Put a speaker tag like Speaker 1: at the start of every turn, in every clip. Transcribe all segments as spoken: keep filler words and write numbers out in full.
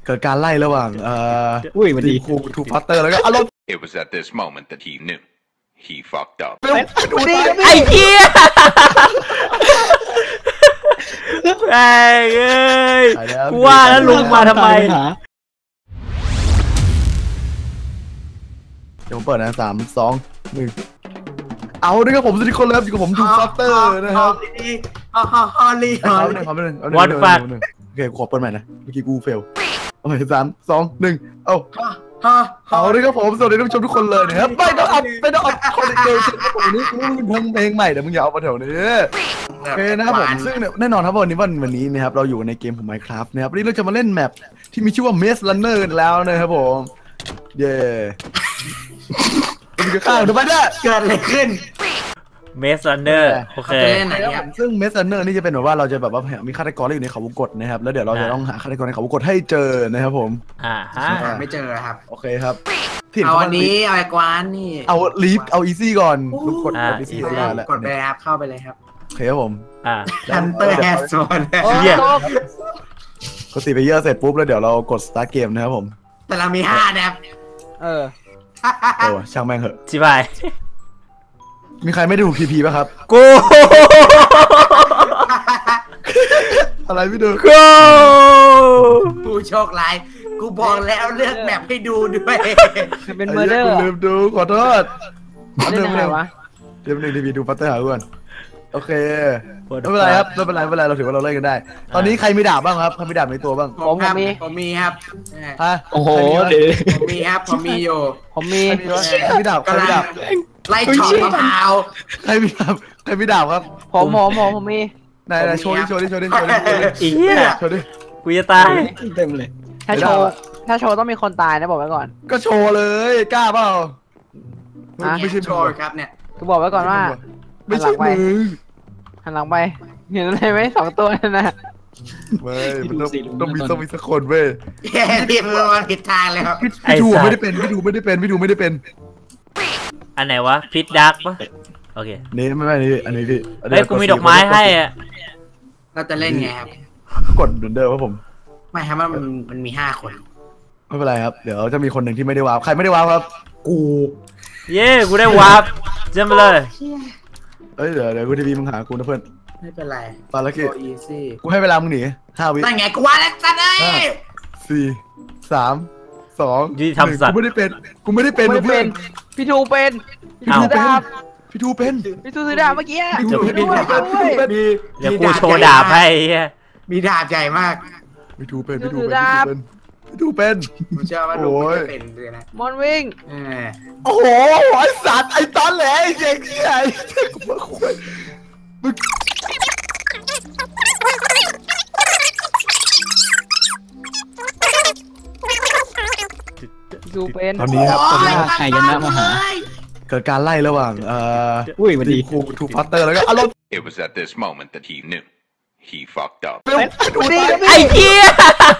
Speaker 1: เกิดการไล่ระหว่างเอ่อ
Speaker 2: อุ้ยมันดี
Speaker 1: ครูทูพัตเตอร์แล้วก็อารมณ์
Speaker 3: It was at this moment that he knew he fucked up.
Speaker 4: ไอ้เหี้ยไอ้เอ้ยกูว่าแล้วลุงมาทำไม
Speaker 1: เดี๋ยวผมเปิดนะสามสองหนึ่งเอาด้วยครับผมสวัสดีคนแล้วอยู่กับผมทูพัตเตอร์นะครับ
Speaker 5: ฮ่าฮ่าฮ่าลีฮ่า
Speaker 1: เอาหนึ่งเอาหนึ่งเอาหนึ่ง
Speaker 4: What fuck
Speaker 1: โอเคขอเปิดใหม่นะเมื่อกี้กูเฟลเอาใหม่สามสองหนึ่งเอา
Speaker 5: ฮ่าฮ่า
Speaker 1: เอาด้วยครับผมสวัสดีท่านผู้ชมทุกคนเลยนะครับไม่ต้องอัพไม่ต้องอัพคนเดียววันนี้กูมึงทำเพลงใหม่เดี๋ยวมึงอย่าเอามาแถวนี้โอเคนะครับผมซึ่งแน่นอนครับวันนี้วันวันนี้นะครับเราอยู่ในเกมของ Minecraft นะครับวันนี้เราจะมาเล่นแมปที่มีชื่อว่า Maze Runner กันแล้วนะครับผมเย้มันจะข้าวทำไมเนี่ย
Speaker 5: เกิดอะไรขึ้น
Speaker 4: เมสลันเนอร์โอเค
Speaker 5: เล่นไหนครับ
Speaker 1: ซึ่ง Maze Runner นี่จะเป็นแบบว่าเราจะแบบว่ามีฆาตกรอยู่ในเขาวงกตนะครับแล้วเดี๋ยวเราจะต้องหาฆาตกรในเขาวงกตให้เจอนะครับผม
Speaker 4: อ่าฮะ
Speaker 5: ไม่เจอครับ
Speaker 1: โอเคครับ
Speaker 5: เอาอันนี้เอาไอ้กวานนี่
Speaker 1: เอาลีฟเอาอีซี่ก่อนลูกกดกดอีซี่
Speaker 5: ก
Speaker 1: แล้วแหละ
Speaker 5: ดไปครับเข้าไปเลยครับ
Speaker 1: โอเคครับผม
Speaker 4: อ่า
Speaker 5: ฮันเตอร์แฮสโซน
Speaker 4: เหี้ย
Speaker 1: กดสีไปเยอะเสร็จปุ๊บแล้วเดี๋ยวเรากด start เกมนะครับผม
Speaker 5: แต่เรามีห้าแดบ
Speaker 2: เออ
Speaker 1: โอ้ช่างแม่งเหอะ
Speaker 4: ชิบาย
Speaker 1: มีใครไม่ได้ดูพีพีป่ะครับ
Speaker 4: กู
Speaker 1: อะไรไม่ดู
Speaker 4: กู
Speaker 5: ผู้โชคร้ายกูบอกแล้วเลือกแบบให้ดูด้วย
Speaker 2: เป็นเมอร์เดอร์
Speaker 1: กูลืมดูขอโทษ
Speaker 2: เล่นยังไงวะ
Speaker 1: เดี๋ยวหนึ่งทีวีดูปัตเตอร์หาก่อนโอเคไม่เป็นไรครับไม่เป็นไรไม่เป็นไรเราถือว่าเราเล่นกันได้ ตอนนี้ใครมีดาบบ้างครับใครมีดาบในตัวบ้าง
Speaker 5: ผมครับผมมีครับ
Speaker 1: ฮะ
Speaker 2: โอ้โห
Speaker 1: เดี๋ยว
Speaker 5: ผมมีครับผมมีอยู่
Speaker 2: ผมมี
Speaker 1: ใครมีดาบใครมีดาบ
Speaker 5: ไล่ช็อตมะพร้าว
Speaker 1: ใครมีดาบใครมีดาบครับ
Speaker 2: ผมผมผมผมมี
Speaker 1: ไหนไหนโชว์ดิโชว์ดิโชว์ดิโชว์ดิ
Speaker 4: อีเหี้ย
Speaker 1: โชว์ดิ
Speaker 4: กูจะตาย
Speaker 2: เต็มเลย ถ้าโชว์ถ้าโชว์ต้องมีคนตายนะบอกไว้ก่อน
Speaker 1: ก็โชว์เลยกล้าเปล่าไม่ใช่
Speaker 5: โชว์ครับเนี่ย
Speaker 2: กูบอกไว้ก่อนว่า
Speaker 1: ไม่ใช่มึง
Speaker 2: หันหลังไปเห็นอะไรไหมสองตัวนั่นนะ
Speaker 1: ไม่มันต้องต้องมีต้องมีสักคนเว้ย
Speaker 5: แย่ที่มันมาผิดทางเลยครับ
Speaker 1: พี่ดูไม่ได้เป็นพี่ดูไม่ได้เป็นพี่ดูไม่ได้เป็น
Speaker 4: อันไหนวะพิษดักปะโอเค
Speaker 1: นี่ไม่ไม่นี่อันนี้พี่
Speaker 4: เฮ้ยกูมีดอกไม้ให้อ่ะ
Speaker 5: เราจะเล่นไงครับ
Speaker 1: กดเหมือนเดิมครับผม
Speaker 5: ไม่ครับมันมันมีห้าคน
Speaker 1: ไม่เป็นไรครับเดี๋ยวจะมีคนหนึ่งที่ไม่ได้วาร์ปใครไม่ได้วาร์ปครับกู
Speaker 4: เย้กูได้วาร์ปเจมไปเลย
Speaker 1: เอ้ยเดี๋ยวเดี๋ยวกูทีวีมึงหากูนะเพื่อน
Speaker 5: ไม่เป็นไร
Speaker 1: ตอนละกี่
Speaker 5: โอีซี่
Speaker 1: กูให้เวลามึงหนีห้าวิ
Speaker 5: นั่นไงกูว่าแล้วสัตว์เอ้ย
Speaker 1: สี่สามสอง
Speaker 4: ยุติธรรมสัต
Speaker 1: กู
Speaker 4: ว์
Speaker 1: ไม่ได้เป็นกูไม่ได้เป็น
Speaker 2: ไม่
Speaker 1: เพื่
Speaker 2: เป็
Speaker 1: อน
Speaker 2: นพี่ทูเป็นพี่ทูดาบ
Speaker 1: พี่ทูเป็น
Speaker 2: พี่ทูซื้อดาบเมื่อกี้
Speaker 1: พี่ทูเป็นพี่ทูเป็น
Speaker 5: มี
Speaker 4: เดี๋ยวกูโชว์ดาบให้เหี้ย
Speaker 5: มีดาบใหญ่มาก
Speaker 1: พี่ทูเป็นพี่ทูเป็นพี่ทูเป็น
Speaker 5: ผมเชื่อว่าลุงไม่ได้เป็นเลยนะ
Speaker 2: มอนวิ่ง
Speaker 5: เออ
Speaker 1: โอ้โหไอ้สัตว์ไอ้ตอนแหลไอ้เด็กเหี้ยไอ้เด็กกูคุยมึง
Speaker 2: พี่ทูเป็น
Speaker 1: ตอนนี้ครับตอนนี้ครับ
Speaker 2: ใครกันนะมาหา
Speaker 1: เกิดการไล่ระหว่างเอ่อ
Speaker 2: อุ้ยมันดี
Speaker 1: ครูทูพัตเตอร์แล้วก็อารมณ์
Speaker 3: It was at this moment that he knew he fucked up.
Speaker 1: ดูดิ
Speaker 4: ไอ้เหี้ย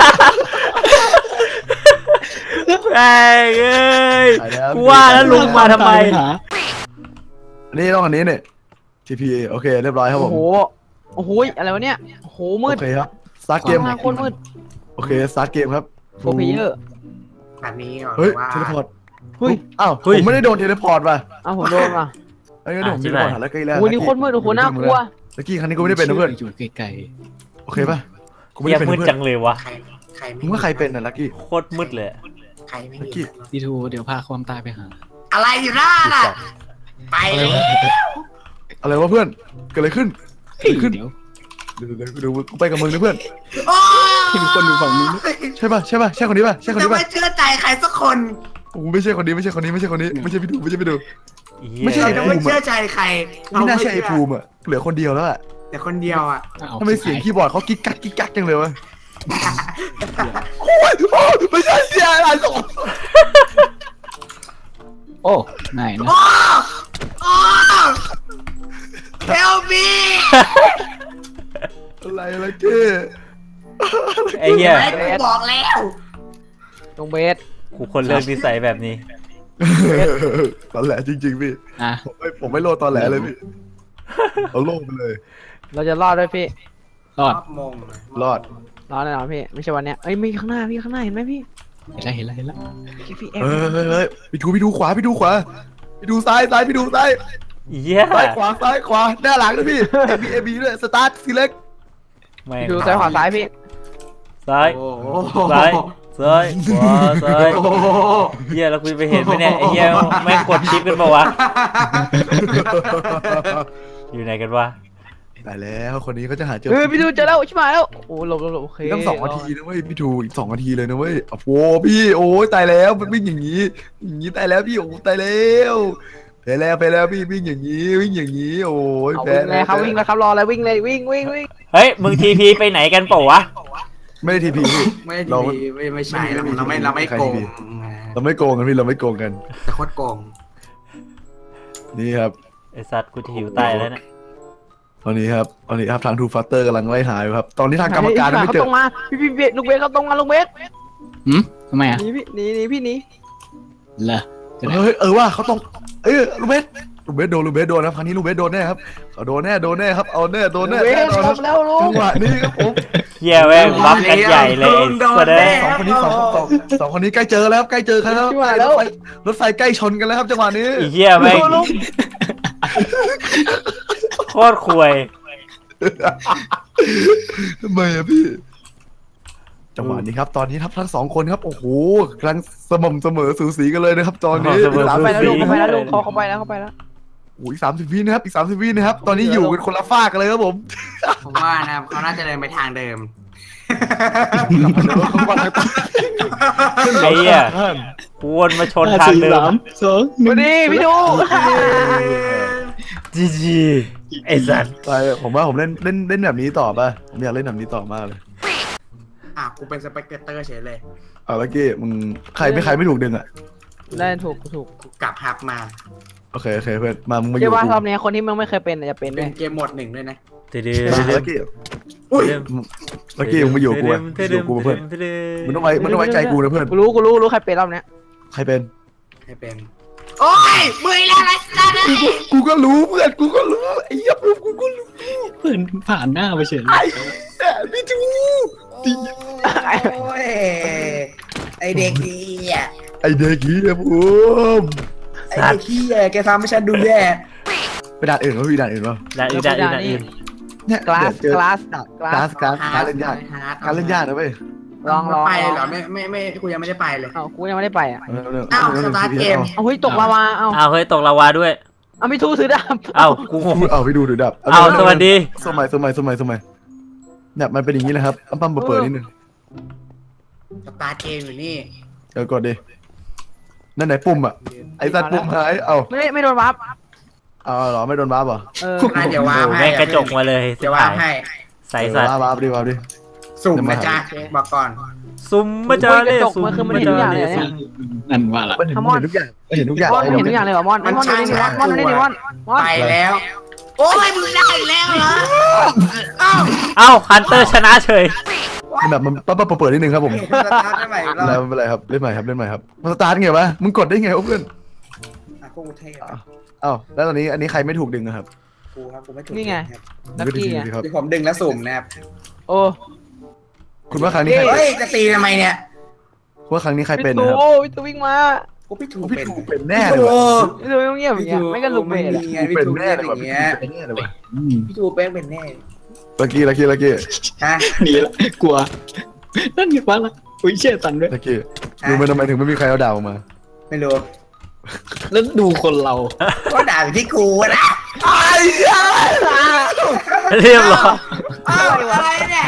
Speaker 4: ไอ้เอ้ยกูว่าแล้วลุงมาทำไม
Speaker 1: อันนี้ต้องอันนี้เนี่ย ที พี โอเคเรียบร้อยครับผ
Speaker 2: โอ้
Speaker 1: ม
Speaker 2: โหโอ้โหอะไรวะเนี่ยโอ้โหมืด
Speaker 1: โอเคครับสตาร์ทเกม
Speaker 2: โคตรมืด
Speaker 1: โอเคสตาร์ทเกมครับ
Speaker 2: โฟร์เพเยอร์
Speaker 5: แบบนี้ก่อน
Speaker 1: เฮ้ย
Speaker 5: ว่า
Speaker 1: เทเลพอร์ต
Speaker 2: เฮ้ย
Speaker 1: อ้าวผมไม่ได้โดนเทเลพอร์ตป่ะ
Speaker 2: เอาผมโดนว่ะ
Speaker 1: ไอ้เงี้ยผมเทเลพอร์ตหาแล้วใกล้แล้ว
Speaker 2: โอ้ยนี่โคตรมืดโอ้โหน่ากลัว
Speaker 1: ตะกี้ครั้งนี้กูไม่ได้เป็นนะเพื่อน
Speaker 2: อยู่ไกล
Speaker 1: โอเคป่ะกูไม่
Speaker 4: เหี้ย
Speaker 1: ได้เป็น
Speaker 4: มืด
Speaker 1: เพื่อ
Speaker 4: จั
Speaker 1: น
Speaker 4: งเลยวะ
Speaker 5: ใครใครไม่
Speaker 1: มึงว่าใครเป็นน่ะลักกี้
Speaker 4: โคตรมืดเลย
Speaker 5: ใครไม่
Speaker 1: ลัก
Speaker 5: เห็
Speaker 1: กี้
Speaker 5: น
Speaker 2: ๆพี่ทูเดี๋ยวพาความตายไปหา
Speaker 5: อะไรอยู่หน้าน่ะไปเลย
Speaker 1: อะไรวะเพื่อนเกิดอะไรขึ้นเกิดอะไรขึ้น
Speaker 2: เดี๋ยว
Speaker 1: เดี๋ยวเดี๋ยวเดี๋ยวกูไปกับมึงนะเพื่อน
Speaker 5: โอ้
Speaker 2: มีคนอยู่ฝั่งนู้น
Speaker 1: ใช่ป่ะใช่ป่ะใช่คนนี้ป่ะใช่คน
Speaker 5: จะ
Speaker 1: นี้ป่ะ
Speaker 5: ไม่เชื่อใจใครสักคน
Speaker 1: โอ้ไม่ใช่คนนี้ไม่ใช่คนนี้ไม่ใช่คนนี้ไม่ใช่พี่ดูไม่ใช่พี่ดู ไม่ใช่
Speaker 5: เราจะไม่เชื่อใจใคร
Speaker 1: ไม่น่าใช่ไอ้ภูมิอ่ะเหลือคนเดียวแล้วอ่ะ
Speaker 5: แต่คนเดียวอ่ะ
Speaker 1: ทำไมเสียงคีย์บอร์ดเขากิ๊กกักกิ๊กกักจังเลยวะโอ้ยโอ้ยไม่ใช่เสียงอะไรหรอก
Speaker 2: โอ้ไหนนะ
Speaker 5: โอ้โอ้เฮลมี
Speaker 1: อะไรอะไรเก้
Speaker 4: ไอ้เหี้ย
Speaker 5: กูบอกแล้ว
Speaker 2: ตรงเบส
Speaker 4: กูคนเลิกนิสัยแบบนี้
Speaker 1: ตอนแหลจริงๆพี่
Speaker 2: อ่ะ
Speaker 1: ผมไม่ผมไม่โลดตอนแหลเลยพี่เอาโลกไปเลย
Speaker 2: เราจะรอดด้วยพี่ รอด
Speaker 5: มง
Speaker 1: รอด
Speaker 2: รอแน่นอนพี่ไม่ใช่วันเนี้ยเอ้ยมีข้างหน้าพี่ข้างหน้าเห็นไหมพี่
Speaker 6: เห็นแล้วเห็นแล้วเห็นแล้ว
Speaker 2: พี่พี่เอ
Speaker 1: เฮ้ยเฮ้ยเฮ้ยพี่ดูพี่ดูขวาพี่ดูขวาพี่ดูซ้ายซ้ายพี่ดูซ้าย
Speaker 4: เหี้ย
Speaker 1: ซ้ายขวาซ้ายขวาหน้าหลังด้วยพี่เอบีเอบีด้วยสตาร์ทซีเล็ก
Speaker 4: แม่ง
Speaker 2: ดูซ้ายขวาซ้ายพี่
Speaker 4: ซ้าย
Speaker 5: โอ้โห
Speaker 4: ซ้ายซ้ายขวาซ้าย
Speaker 5: โอ้โห
Speaker 4: เหี้ยแล้วกูไปเห็นไหมเนี่ยไอ้เหี้ยแม่งกดชิปกันเปล่าวะอยู่ไหนกันวะ
Speaker 1: ตายแล้วคนนี้เขาจะหาเจอ
Speaker 2: เฮ้ยพี่ดูเจอแล้วชิบหายแล้วโอ้หลบหลบหลบโอเค
Speaker 1: ตั้งสองนาทีนะเว้ยพี่ดูอีกสองนาทีเลยนะเว้ยโอ้โหพี่โอ้ยตายแล้วมันวิ่งอย่างนี้อย่างนี้ตายแล้วพี่โอ้ตายแล้วไปแล้วไปแล้วพี่วิ่งอย่างนี้วิ่งอย่างนี้โอ้ย
Speaker 2: เอา
Speaker 1: แพ้
Speaker 2: วิ่งเลยครับวิ่งแล้วครับรออะไรวิ่งเลยวิ่งวิ่งวิ่ง
Speaker 4: เฮ้ยมึงทีพีไปไหนกันเปล่าวะ
Speaker 1: ไม่ได้ทีพีพี่
Speaker 5: ไม่ดี
Speaker 1: เรา
Speaker 5: ไม่ไม่ใช่
Speaker 1: ไม่มี
Speaker 5: เราไม่เราไม่
Speaker 1: ใคร
Speaker 5: โกง
Speaker 1: ดี เราไม่โกงกันพี่เราไม่โกงกัน
Speaker 5: แต่โคตรโกง
Speaker 1: นี่ครับ
Speaker 4: ไอสัตว์กูจะหิวตายแล้วเนี่ย
Speaker 1: ตอนนี้ครับตอนนี้ครับทางทูฟัตเตอร์กำลังไล่หาอยู่ครับตอนนี้ทางกรรมการยังไม่
Speaker 2: เขา
Speaker 1: เจ
Speaker 2: ต
Speaker 1: อ
Speaker 2: รงมาพี่พี่เบสลูกเบสเขาตรงมาลูกเบส
Speaker 6: หืมทำไมอ่ะ
Speaker 2: หนีพี่หนีหนีพี่หนี
Speaker 6: เหรอจะได้
Speaker 1: เฮ้ยเออว่าเขาต้องเอ้ยลูกเบสลูกเบสโดนลูกเบสโดนนะครั้งนี้ลูกเบสโดนแน่ครับเขาโดนแน่โดนแน่ครับเอาแน่โดนแน่
Speaker 2: เบ
Speaker 1: แน่
Speaker 2: ส
Speaker 1: นอน
Speaker 2: ล
Speaker 1: ครับ
Speaker 2: บแล้วลู
Speaker 1: จั
Speaker 2: ก
Speaker 1: งหวะนี้ครับผม
Speaker 4: เหี้ยแม่งบัฟกันใหญ่เลยไอ้แสดง
Speaker 1: สองคนนี้สองสองสองคนนี้ใกล้เจอแล้วใกล้เจอกันแล้วใกล้รถไฟรถไฟใกล้ชนกันแล้วครับจังหวะนี้
Speaker 4: ไอ้เหี้ยแม่งโคตรควย
Speaker 1: ทำไมอะพี่จังหวะนี้ครับตอนนี้ครับทั้งสองคนครับโอ้โหกำลังสม่ำเสมอสูสีกันเลยนะครับตอนนี้
Speaker 4: เสมอ
Speaker 1: สาม
Speaker 4: สู
Speaker 2: ไป
Speaker 1: สิบ
Speaker 2: แล้ว
Speaker 1: วิ
Speaker 2: ลูกเขาไปแล้วลูกเขาเขาไปแล้วเขาไปแล้ว
Speaker 1: โอ้ยสามสิบวินะครับอีกสามสิบวินะครับตอนนี้อยู่กันคนละฝากกันเลยครับผม
Speaker 5: ผมว่านะครับเขาน่าจะเดินไปทางเดิม
Speaker 4: ไอ้เหี้ยกวนมาชนทางเดิ
Speaker 6: สาม มสองหนึ่
Speaker 2: มาง ดิพี่ดู
Speaker 4: จีจีไอ้สัตว์
Speaker 1: ไปผมว่าผมเล่นเล่นเล่นแบบนี้ต่อป่ะผมอยากเล่นแบบนี้ต่อมากเลย
Speaker 5: อ่ะกูเป็นสเปกเตอร์เฉยเลย
Speaker 1: เอาละกี้มึงใครไม่ใครไม่ถูกดึงอ่ะ
Speaker 2: ได้ถูกถูก
Speaker 5: กูกลับฮับมา
Speaker 1: โอเคโอเคเพื่อนมามึงมาอ
Speaker 2: เชื่
Speaker 1: ยู่
Speaker 2: อว่า
Speaker 1: กับ
Speaker 2: รอบ
Speaker 1: กู
Speaker 2: นี้คนที่มึงไม่เคยเป็นจะเป็น
Speaker 5: เป็
Speaker 2: ด้วน ย
Speaker 5: เกมโหมดหนึ่งด้วยนะ
Speaker 4: เดือด
Speaker 1: มาละกี้
Speaker 5: อุ้ย
Speaker 1: ละกี้มึงมาอยู่กับกูอะอยู่กับกูเพื่อนมึงต้องไว้มึงต้องไว้ใจกูนะเพื่อน
Speaker 2: กูรู้กูรู้รู้ใครเป็นรอบเนี้ย
Speaker 1: ใครเป็น
Speaker 5: ให้เป็น โอ้ยมือแล้วนะ
Speaker 1: กูก็รู้เพื่อนกูก็รู้ไอ้ยับรู้กูก็รู้
Speaker 6: เพื่อนผ่านหน้าไปเฉย
Speaker 1: ไอ้เนี่ยพี่จู
Speaker 5: โอ้ยไอเด็กดีอ่ะ
Speaker 1: ไอ้เด็กนี้นะผม
Speaker 5: ไอเด็กขี้แกทำให้ฉันดูแย่
Speaker 1: ไปด่านอื่นวะพี่ด่านอื่นวะ
Speaker 4: ด่าอื่นด่าอื่นด่าอื่น
Speaker 1: เนี่ย
Speaker 2: กลาส
Speaker 1: เดี๋ยว
Speaker 2: ก
Speaker 1: เจอ
Speaker 2: ลาสกลาก
Speaker 1: ลา
Speaker 2: ส
Speaker 1: สกลาสการเล่นยากการเล่นยากนะเว้ย
Speaker 2: ลองลอง
Speaker 5: ไปเลยเหรอไม่ไม่ไม่กูยังไม่ได้ไปเลย
Speaker 2: เอ้ากูยังไม่ได้ไปอ่ะ
Speaker 5: อ้าวสตาร์ทเกม
Speaker 2: เอาเฮ้ยตกลาวาเอา
Speaker 4: อ้าวเฮ้ยตกลาวาด้วย
Speaker 2: เอาไม่ทูถือดาบ
Speaker 4: อ้าวกูงง
Speaker 1: เอาไปดูดูดับ
Speaker 4: อ้าวสวัสดี
Speaker 1: สมัยสมัยสมัยสมัยเนี่ยมันเป็นอย่างนี้นะครับอัมปั๊มเปิดนิดนึง
Speaker 5: สตาร์ทเกมอยู่นี่
Speaker 1: เดี๋ยวกดดินั่นไหนปุ่มอ่ะไอ้สัตว์ปุ่มหายเอา
Speaker 2: ไม่ไม่โดนวับ
Speaker 1: เอาเหรอไม่โดนบ้าป่ะ
Speaker 2: เออ
Speaker 5: อ่ะเดี๋ยววาง
Speaker 4: โอ้โห
Speaker 5: ให้
Speaker 4: แม่งกระจกมาเลย
Speaker 5: เดี๋ยววางให้
Speaker 4: ใส่สัตว์
Speaker 1: บ้าบ้าดิบ้าดิ
Speaker 5: สุ่มนะจ๊ะบอกก่อน
Speaker 4: ซุ่มมาเจอเลยซุ่มมาเจอเลยซุ่ม
Speaker 6: นั่นว่าละ
Speaker 1: มันเห็นทุกอย่างมันเห็นทุกอย่าง
Speaker 2: มอนเห็นทุกอย่างเลยเหรอมอนไอ้มอนดูนี่มอนมอนนี่มอนมอน
Speaker 5: ไปแล้ว โอ้ยมึงได้แล้วเหรออ้าว
Speaker 4: เอ้าฮันเตอร์ชนะเฉย
Speaker 1: แบบมันปั๊บปั๊บเปิดนิดนึงครับผม
Speaker 5: สตาร์ทได้ใหม่อีกรอบ
Speaker 1: แล้วไม่เป็นไรครับเล่นใหม่ครับเล่นใหม่ครับมันสตาร์ทไงวะมึงกดได้ไงวะเพื่อน
Speaker 5: อ่ะกูเท่อะ
Speaker 1: อ้าวแล้วตอนนี้อันนี้ใครไม่ถูกดึงอะครับ
Speaker 5: กูครับกูไม่ถูก
Speaker 2: นี่ไง
Speaker 5: ครับ
Speaker 2: นัก
Speaker 1: ไม่ได้
Speaker 2: กี้
Speaker 1: ที
Speaker 2: อ่ะ
Speaker 1: ครับ
Speaker 5: เดี๋ยวผมดึงแล้วสุ่มนะครับ
Speaker 2: โอ้
Speaker 1: คุณว่าครั้งนี้ใคร
Speaker 5: เฮ้ยจะตีทำไมเนี่ย
Speaker 1: คุณว่าครั้งนี้ใคร
Speaker 2: พี่
Speaker 1: เป็น
Speaker 2: ตู
Speaker 1: นะครับ
Speaker 2: พี่ตูวิ่งมา
Speaker 5: กูพี่ถูก
Speaker 1: พี่
Speaker 5: เป็น
Speaker 1: ถูกเป็นแน่เลย
Speaker 5: โอ้
Speaker 1: ว่ะ
Speaker 2: พี่ตูเงียบอย่างเงี้ยไม่ก็ลุกเบส
Speaker 5: ไม่
Speaker 2: อะ
Speaker 5: มีไง
Speaker 1: ถูก
Speaker 5: พี่
Speaker 1: เป็น
Speaker 5: ถูก
Speaker 1: แน่
Speaker 5: เป็น
Speaker 1: เลย
Speaker 5: อ
Speaker 1: ว่ะ
Speaker 5: ย่าง
Speaker 1: พี่
Speaker 5: เงี้ย
Speaker 1: ถูกเป็นแน่เลยว่ะ
Speaker 6: อืม
Speaker 5: พี่ถูกแป้งเป็นแน่
Speaker 1: ลักกี้ลักกี้ลักกี้
Speaker 5: ฮะ
Speaker 6: หนีละกลัวนั่นอยู่ฟ้าละอุ้ยเชี่ยตันด้วย
Speaker 1: ลักกี้ดูมันทำไมถึงไม่มีใครเอาดาวมา
Speaker 5: ไม่รู้
Speaker 6: แล้วดูคนเรา
Speaker 5: ก็ด่าอยู่ที่กูนะ
Speaker 4: เรียบร้อย
Speaker 5: อ้าวอะไรเนี่ย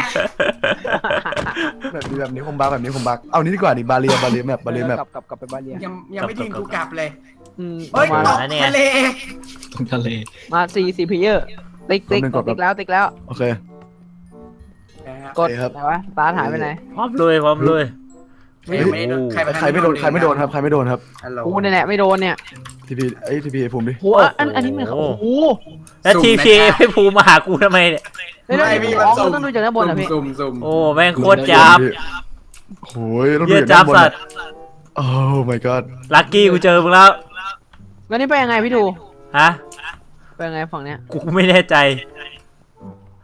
Speaker 1: แบบนี้แบบนี้คมบักแบบนี้คมบักเอานี้ดีกว่าดิบาเรียบาเรียแมปบาเรียแมป
Speaker 2: กลับกลับกลับไปบ้านเรียน
Speaker 5: ยังยังไม่ทิ้งกูกลับเลย
Speaker 2: อืม
Speaker 5: เฮ้ย
Speaker 2: มา
Speaker 5: ตกทะเล
Speaker 6: ตรงทะเล
Speaker 2: มาสี่สี่เพลเยอร์ติ๊กติ๊กติ๊กแล้วติ๊กแล้ว
Speaker 1: โอเค
Speaker 2: กด
Speaker 1: โอเคครับ
Speaker 2: ไหนวะตาร์ทหายไปไหน
Speaker 4: พร้อมเลยพร้อมเลย
Speaker 5: ไม่ไม่โดนใคร
Speaker 1: ใครไม่โดนใครไม่โดนครับใครไม่โดนครับ
Speaker 5: ฮัลโหล
Speaker 2: กูเนี่ยแหละไม่โดนเนี่ย
Speaker 1: ทีพีไอ้ทีพีไอ้ภูมิดิ
Speaker 2: โหอันอันนี้มันโอ้โห
Speaker 4: แล้วทีพีให้ภูมิมาหากูทำไมเนี่ย
Speaker 2: ไม่ได้พี่อ๋อมันต้องดูจากด้านบนอ่ะพี่
Speaker 5: ซุ่มซุ่ม
Speaker 4: โอ้แม่งโคตรจับ
Speaker 1: โอ้ยต้องดู
Speaker 4: เยี่ย
Speaker 1: จาก
Speaker 4: จั
Speaker 1: ด้า
Speaker 4: บบ
Speaker 1: นบน
Speaker 4: สัตว์
Speaker 1: โอ้ my god
Speaker 4: ลักกี้กูเจอมึงแล้ว
Speaker 2: แล้วนี่ไปยังไงพี่ดู
Speaker 4: ฮะ
Speaker 2: ไปยังไงฝั่งเนี้ย
Speaker 4: กูไม่แน่ใจ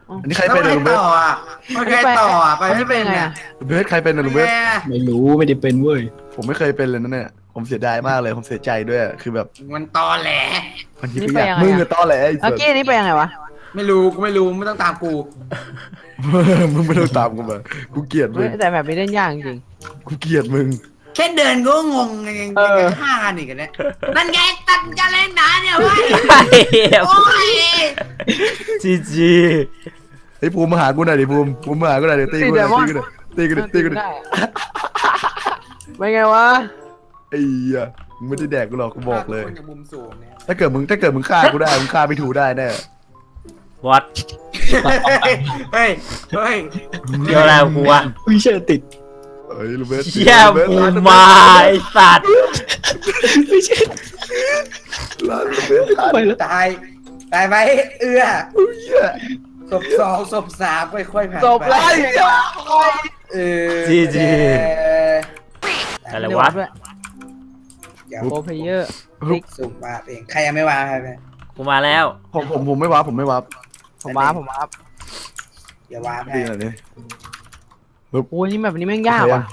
Speaker 1: อันนี้ใคร
Speaker 5: แล้ว
Speaker 1: เป็น
Speaker 5: ใคร
Speaker 1: ลุงเบส
Speaker 5: ต่ออ่ะใครต่ออ่ะไปไม่เป็น
Speaker 2: ไง
Speaker 5: เนี่ย
Speaker 2: อะ
Speaker 1: ลุงเบสใครเป็นนะลุงเบส
Speaker 6: ไม่รู้ไม่ได้เป็นเว้ย
Speaker 1: ผมไม่เคยเป็นเลยนั่นเนี่ยผมเสียดายมากเลยผมเสียใจด้วยคือแบบ
Speaker 5: มันตอแหล
Speaker 1: มันคิดไม่อยากมึงกับต้อแหละไอ้
Speaker 2: เมื่อ
Speaker 1: สัส
Speaker 2: กี้นี้ไปยังไงวะ
Speaker 5: ไม่รู้กูไม่รู้ไม่ต้องตามกู
Speaker 1: มึงไม่ต้องตามกูมากูเกลียดมึ
Speaker 2: เฮ้ย
Speaker 1: ง
Speaker 2: แต่แบบนี้เล่นยากจริง
Speaker 1: กูเกลียดมึง
Speaker 5: แค่เดินก็งงยังยัง
Speaker 2: เออ
Speaker 5: ฆ่ากันอีกกันเนี่ยนั่นไงตัดกันเล่นหนาเนี่ยเว้ย
Speaker 4: ไอ้เหี้ย
Speaker 5: โอ้ย
Speaker 4: จีจี
Speaker 1: ไอ้ภูมิมาหากูหน่อยดิภูมิภูมิมาหากูหน่อยดิตีกูหน่อยตีกูหน่อยตีกูหน่อยตีกูหน่อย
Speaker 2: ได้ไม่ไงวะ
Speaker 1: ไอ้เหี้ยมึงไม่ได้แดกกูหรอกกูบอกเลย
Speaker 5: คนจากมุมสูงเนี่ย
Speaker 1: ถ้าเกิดมึงถ้าเกิดมึงฆ่ากูได้มึงฆ่าไม่ถูกได้แน่
Speaker 4: วัด
Speaker 5: เฮ้ยเฮ้ย
Speaker 4: เกี่ยวอะไรกับกูวะ
Speaker 6: อุ้ยเชื่อติด
Speaker 1: เอ้ยลูเบส
Speaker 4: เชี่ยปูมาไอ้สัตว์
Speaker 6: ไม่เชื่อ
Speaker 1: ลาลูเบสลา
Speaker 6: ไปแล้ว
Speaker 5: ตายตายไหมเอื้อ
Speaker 1: เหี้ย
Speaker 5: ศพสองศพสามค่อยๆผ่าน
Speaker 2: จบแล้ว
Speaker 5: เออ
Speaker 4: จีจี
Speaker 5: เออ
Speaker 4: อะไรวะ
Speaker 5: เดี๋ยว
Speaker 2: โปรเพเยอร์
Speaker 5: สุ่มมาเองใครยังไม่วางใครไป
Speaker 4: กูมาแล้ว
Speaker 1: ผมผมผมไม่วับผมไม่วับ
Speaker 2: ผมว้าผมว้า
Speaker 5: อย่าวางให้
Speaker 1: ดีหน่อยดิ
Speaker 2: โอ้ยนี่แบบนี้แม่งยากว่ะ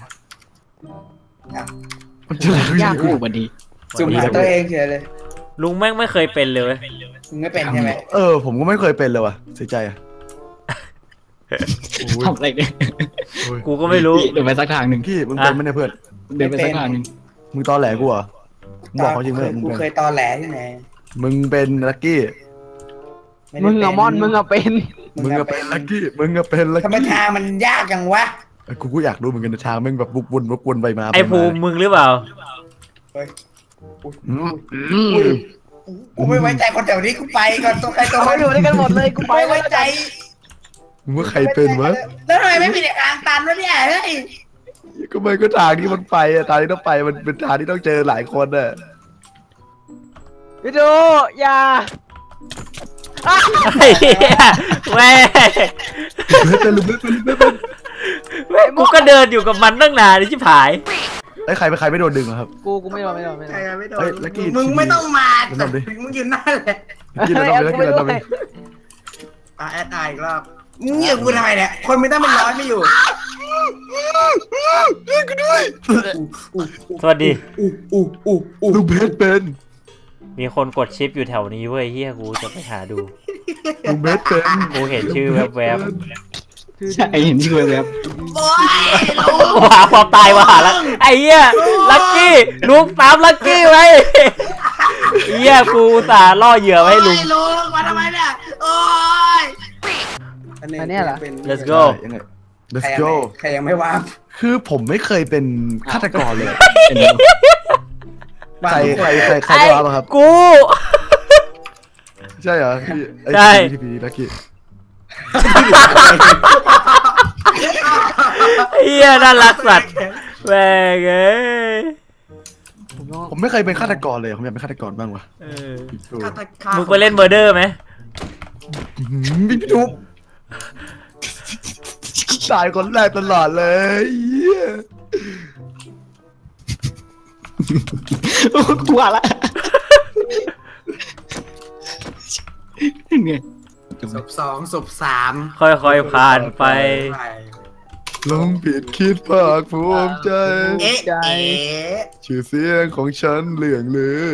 Speaker 1: มันจะอะไร
Speaker 2: ยาก
Speaker 6: โอ้วันดี
Speaker 5: สุ่มหาตัวเองเฉยเลย
Speaker 4: ลุงแม่งไม่เคยเป็นเลยเว้ย
Speaker 5: มึงไม่เป็นใช่ไหม
Speaker 1: เออผมก็ไม่เคยเป็นเลยว่ะเสียใจอ่ะโอ้ย
Speaker 6: ทำอะไรเนี่ย
Speaker 1: โอ้ย
Speaker 4: กูก็ไม่รู้
Speaker 6: เดินไปสักทางหนึ่ง
Speaker 1: พี่มึงเป็นไหมเนี่ยเพื่อน
Speaker 6: เดินไปสักทางหนึ่ง
Speaker 1: มึงตอแหลกูเหรอมึงบอกเขาจริงไหมมึง
Speaker 5: กู
Speaker 1: เป็น
Speaker 5: เคยตอแหลที่ไหน
Speaker 1: มึงเป็นลักกี้
Speaker 5: ไได้
Speaker 2: มึงอะมอนมึงอะเป็น
Speaker 1: มึงก็เป็นลักกี้มึงก็เป็นลัก
Speaker 5: ทำไม
Speaker 1: กี้
Speaker 5: ทางมันยากจังวะ
Speaker 1: เอ้ยกูก็อยากรู้เหมือนกันนะทางแม่งแบบบุกวนวกวนไปมา
Speaker 4: ไอ้ภูมิมึงหรือเปล่า
Speaker 1: อืม
Speaker 5: อุ้ยกูไม่ไว้ใจคนแถวนี้กูไปก่อนตัวใครตัว
Speaker 2: เขา
Speaker 5: มัน
Speaker 2: อยู่ด้วยกันหมดเลยกูไป
Speaker 5: ไม่ไว้ใจ
Speaker 1: มึงว่าใครเป็นวะ
Speaker 5: แล้วทำไมไม่มีทางตันวะเนี่ยเฮ้ย
Speaker 1: ก็ไม่ก็ทางที่มันไปอะทางที่ต้องไปมันเป็นทางที่ต้องเจอหลายคนอะ
Speaker 2: พี่ดูอย่า
Speaker 4: ไอ้เหี้ยแม่ง
Speaker 1: เป็นลุงเป็นเป็นเป็น
Speaker 4: แม่งกูก็เดินอยู่กับมันตั้งนานเลยชิบหาย
Speaker 1: ไอ้ใครเป็นใครไม่โดนดึงอะครับ
Speaker 2: กูกูไม่โดนไม่โดนไม่โด
Speaker 5: ใคร
Speaker 2: น
Speaker 5: ไม่โด
Speaker 1: เฮ้ย
Speaker 5: น
Speaker 1: ลักกี้
Speaker 5: มึงไม่ต้องมา
Speaker 1: เดี๋ยวทำดิ
Speaker 5: มึงยืนหน้าเลย
Speaker 1: กินแล้วทำไปแล้วกินแล้วทำไป
Speaker 5: อ่ะแอดไออีกรอบมึงเหยียบกูทำไมเนี่ยคนไม่ต้องเป็นร้อยไม่อยู่
Speaker 4: สวัสดี
Speaker 5: อู้อู้อู้อู้
Speaker 1: ลุงเพชรเป็น
Speaker 4: มีคนกดชิปอยู่แถวนี้เว้ยเฮียกูจะไปหาดู
Speaker 1: ลุงเพชรเป็น
Speaker 4: กูเห็นชื่อแวบ
Speaker 6: ใช่เห็นชื่อแวบ
Speaker 5: โอ้ยลุง
Speaker 4: ๆว่าความตายมาหาแล้วไอ้เหี้ยลักกี้ลุงตามลักกี้ไว้เหี้ยกูอุตสาห์ล่อเหยื่อไว้ให้ลุง
Speaker 5: โอ้ยลุงมาทำไมเนี่ยโอ้ย
Speaker 2: อันเนี้ยเหรอ
Speaker 4: let's go
Speaker 1: ยังไง
Speaker 5: ใคร
Speaker 1: let's
Speaker 5: ยัง
Speaker 1: go
Speaker 5: ไม่ใครยังไม่วาง
Speaker 1: คือผมไม่เคยเป็นฆาตกรเลย
Speaker 6: เป็นแล้ว
Speaker 1: ใครใครใครใครได้รับอะครับ
Speaker 4: กู
Speaker 1: ใช่เหรอพี่ไอ้
Speaker 4: ใช่
Speaker 1: ทีพีลักกี้
Speaker 4: เหี้ยน่ารักสัตว์แม่งเอ้ย
Speaker 1: ผมไม่เคยเป็นฆาตกรเลยผมอยากเป็นฆาตกรบ้างวะ
Speaker 4: เออ
Speaker 1: ดู
Speaker 4: มึงไปเล่นเมอร์เดอร์ไหม
Speaker 1: พี่พี่ทุบตายคนแรกตลอดเลยเหี้ย
Speaker 6: กลัวละเนี่ย
Speaker 5: ศพสองศพสาม
Speaker 4: ค่อยๆผ่านไป
Speaker 1: ลงผิดคิดภาคภูมิใจ
Speaker 5: เอ๊ะเอ๊ะ
Speaker 1: ชื่อเสียงของฉันเหลืองลือ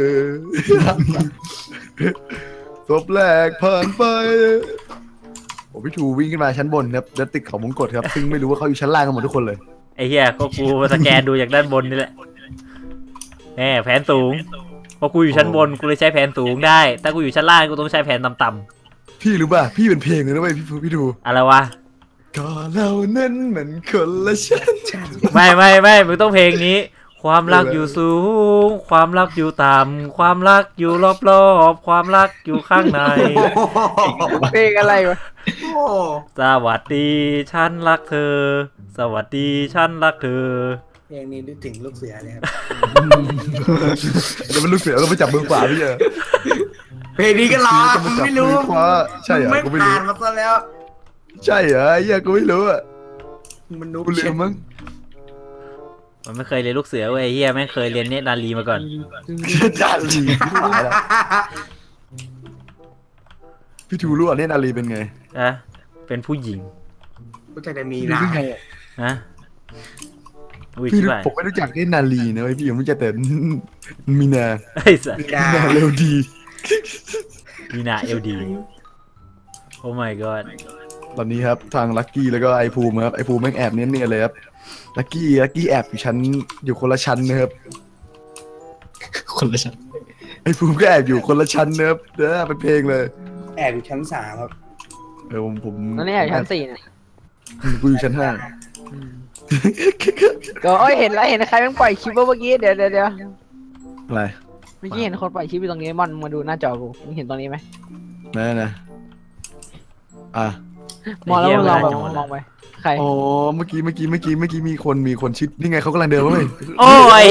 Speaker 1: ศพแรกผ่านไปโอ้พี่ชูวิ่งขึ้นมาชั้นบนครับแล้วติดเขามงกฎครับซึ่งไม่รู้ว่าเขาอยู่ชั้นล่างกันหมดทุกคนเลย
Speaker 4: ไอ้เหี้ยก็กูสแกนดูจากด้านบนนี่แหละแหมแผนสูงเพราะกูอยู่ชั้นบนกูเลยใช้แผนสูงได้ถ้ากูอยู่ชั้นล่างกูต้องใช้แผนต่ำ
Speaker 1: พี่รู้ป่ะพี่เป็นเพลงเลยนะเว้ยพี่พี่ดู
Speaker 4: ๆอะไรวะ
Speaker 1: ก็เรานั้นเหมือนคนละชั้น
Speaker 4: ไม่ไม่ไม่มึงต้องเพลงนี้ ความรักอยู่สูง ความรักอยู่ต่ำความรักอยู่รอบๆความรักอยู่ข้างใน
Speaker 2: เพลงอะไรวะ
Speaker 5: โอ้
Speaker 4: สวัสดีฉันรักเธอ สวัสดีฉันรักเธอ
Speaker 5: เพลงนี้นึกถึงลูกเสือเลยครับ
Speaker 1: เดี๋ยวมันลูกเสือก็ไปจับมือขวาพี่เจอ
Speaker 5: เพลงนี้ก็รอมึงไม่รู้
Speaker 1: จับมือขวาใช่เหรอ
Speaker 5: ไม่
Speaker 1: กูไม่รู้
Speaker 5: ผ่านมาซะแล้ว
Speaker 1: ใช่เหรอไอ้เหี้ยกูไม่รู้อ่ะ
Speaker 5: มันนุ๊ก
Speaker 1: กูลืมมั้ง
Speaker 4: มันไม่เคยเรียนลูกเสือเว้ยเฮียแม่งเคยเรียนเนตรนารีมาก่อน
Speaker 1: จานลีตายแล้วพี่ทูรู้อ่ะเนตรนารีเป็นไง
Speaker 4: นะเเป็นผู้หญิง
Speaker 5: กูจะได้มี
Speaker 1: รู้
Speaker 5: นะ
Speaker 1: ได้ไงอะ
Speaker 4: นะอุ้ย
Speaker 1: พี่
Speaker 4: ชิบหาย
Speaker 1: ผมไม่รู้จักแค่นาลีนะเว้ยพี่ผมรู้จักแต่มีนา
Speaker 4: ไอ้สัส
Speaker 5: มีนา
Speaker 1: มีนาเร็วดี
Speaker 4: มีนาเอลดีโอ้ my god
Speaker 1: ตอนนี้ครับทางลักกี้แล้วก็ไอภูมิครับไอภูมิแม่งแอบเนียนๆเลยครับลักกี้ลักกี้แอบอยู่ชั้นอยู่คนละชั้นนะครับ
Speaker 6: คนละชั้น
Speaker 1: ไอภูมิก็แอบอยู่คนละชั้นนะครับเด้อเป็นเพลงเลย
Speaker 5: แอบอยู่ชั้นสามครับ
Speaker 1: เออผมผม
Speaker 2: นั่นนี่อยู่ชั้นสี่เนี่ย
Speaker 1: กูอยู่ชั้นห้า
Speaker 2: ก็เอ้ยเห็นแล้วเห็นใครแม่งปล่อยคลิปเมื่อกี้เดี๋ยวเดี๋ยวเดี๋ยว
Speaker 1: อะไร
Speaker 2: เมื่อกี้เห็นคนปล่อยคลิปอยู่ตรงนี้มอนมาดูหน้าจอกูมึงเห็นตรงนี้ไหม
Speaker 1: นั่นนะอ่ะ
Speaker 2: มองแล้วมึงลองแบบมองไปใคร
Speaker 1: อ๋อเมื่อกี้เมื่อกี้เมื่อกี้เมื่อกี้มีคนมีคนชิดนี่ไงเขากำลังเดินมาเลย
Speaker 4: โอ้ย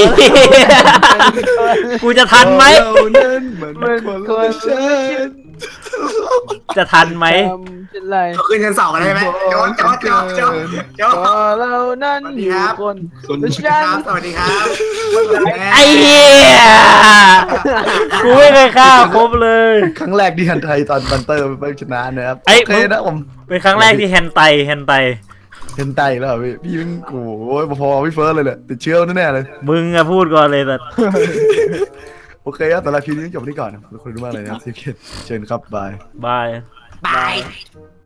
Speaker 4: กูจะทันไหม
Speaker 1: เรานั้นมันคนละชั้น
Speaker 4: จะทันไหม
Speaker 2: จำเป็นไร
Speaker 5: เขาขึ้นชั้นสองกันได้ไหมโจ๊กโจ๊กโจ๊กโจ๊กโจ๊ก
Speaker 2: ก็เรานั้นอยู่คน
Speaker 6: คน
Speaker 2: ละ
Speaker 5: ค
Speaker 2: ชั้น
Speaker 5: รับสวัสดีครับ
Speaker 4: ไอ้เหี้ย กูไม่เคยฆ่าครบเลย ค
Speaker 1: ครั้งแรกที่ฮันไทยตอนบันเตอร์ไปชนะนะครับ
Speaker 4: ไอ้
Speaker 1: โอเคนะผม
Speaker 4: เป็นครั้งแรกที่แฮนไตแฮนไต
Speaker 1: เห็นไตแล้วเหรอพี่พี่เป็นโอ้ยพอๆพี่เฟิร์สเลยแหละติดเชื้อแน่ๆเลย
Speaker 4: มึงอะพูดก่อนเลยแต่
Speaker 1: โอเคครับแต่ละคลิปนี้จบที่ก่อนนะขอบคุณมากเลยนะครับที่เชิญครับบาย
Speaker 4: บาย
Speaker 5: บาย